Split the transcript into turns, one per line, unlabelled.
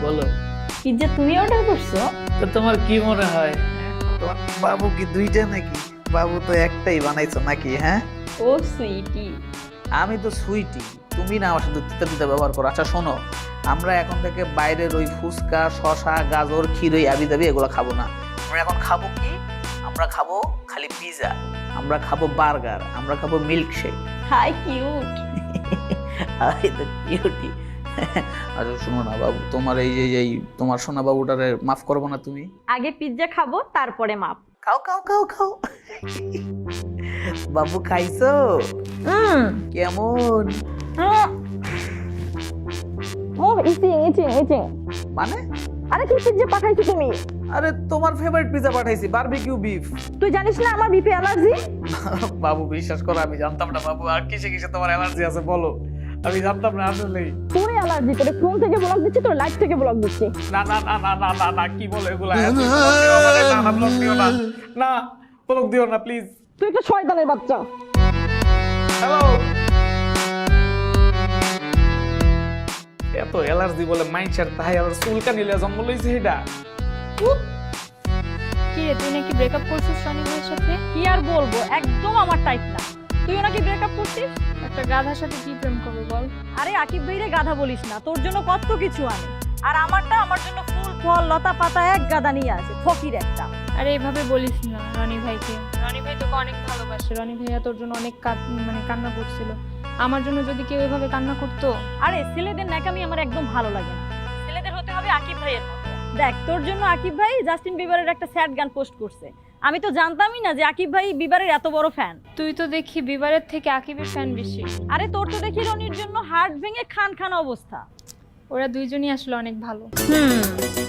বলো।
পিৎজা তুমি অর্ডার করছো?
তো তোমার কি মনে হয়, তোমার বাবু কি দুইটা নাকি? বাবু তো একটাই বানাইছো নাকি? হ্যাঁ,
ও সুইটি।
আমি তো সুইটি, তুমি না আমার সাথে তিতা তিতা ব্যবহার করো। আচ্ছা শোনো, আমরা এখন থেকে বাইরের ওই ফুচকা, শশা, গাজর, ক্ষীরই আবি দাবি এগুলো খাবো না। আমরা এখন খাবো কি? আমরা খাবো খালি পিৎজা, আমরা খাবো বার্গার, আমরা খাবো মিল্কশেক।
Hi cute.
আই তো কিউটি। আচ্ছা শোনো না বাবু, তোমার এই তোমার সোনা বাবুটারে মাফ করবো না তুমি?
আগে পিৎজা খাবো তারপরে মাপ।
খাও খাও খাও খাও। বাবু খাইছো? কেমন
ও ইচিং ইচিং ইচিং।
মানে?
আরে কি পিৎজা পাঠাইছো তুমি?
আরে তোমার ফেভারিট পিৎজা পাঠাইছি, বারবিকিউ বিফ।
তুই জানিস না আমার বিপি অ্যালার্জি?
বাবু বিশ্বাস করো, আমি জানতাম না বাবু আর কিসে কিসে তোমার অ্যালার্জি আছে বলো, আমি জানতাম না আসলেই।
তোর অ্যালার্জি, তোর ফোন থেকে ব্লক দিচ্ছি, তোর লাইট থেকে ব্লক দিচ্ছি।
না না না না না না না, কি বলে এগুলা? না ব্লক দিও না, না ব্লক দিও না প্লিজ।
তুই একটা শয়তানের বাচ্চা।
হ্যালো। এত অ্যালার্জি বলে মাইন্ডসেট, তাই আর চুলকা নিলে জন্ম লইছে এটা।
কি রে, তুই নাকি ব্রেকআপ করছিস রনি ভাইয়ের সাথে?
কি আর বলবো, একদম আমার টাইপ না। তুইও নাকি ব্রেকআপ করছিস?
একটা গাধার সাথে কি প্রেম করবে বল?
আরে আকিব ভাইরে গাধা বলিস না, তোর জন্য কত কিছু আনে, আর আমারটা আমার জন্য ফুল ফল লতা পাতা এক গাদা নিয়ে আসে, ফকির একটা।
আরে এভাবে বলিস না রনি ভাইকে, রনি ভাই তোকে অনেক ভালোবাসে। রনি ভাইয়া তোর জন্য অনেক কান্না করছিল। আমার জন্য যদি কেউ এভাবে কান্না করতো।
আরে ছেলেদের ন্যাকামি আমার একদম ভালো লাগে না, ছেলেদের হতে হবে আকিব ভাইয়ের মতো। দেখ, তোর জন্য আকিব ভাই জাস্টিন বিবারের একটা স্যাড গান পোস্ট করছে, আমি তো জানতামই না যে আকিব ভাই বিবারের এত বড় ফ্যান।
তুই তো দেখি বিবারের থেকে আকিবের ফ্যান বেশি।
আরে তোর তো দেখি রনির জন্য হার্ট ভেঙে খান খান অবস্থা।
ওরা দুইজনই আসলে অনেক ভালো।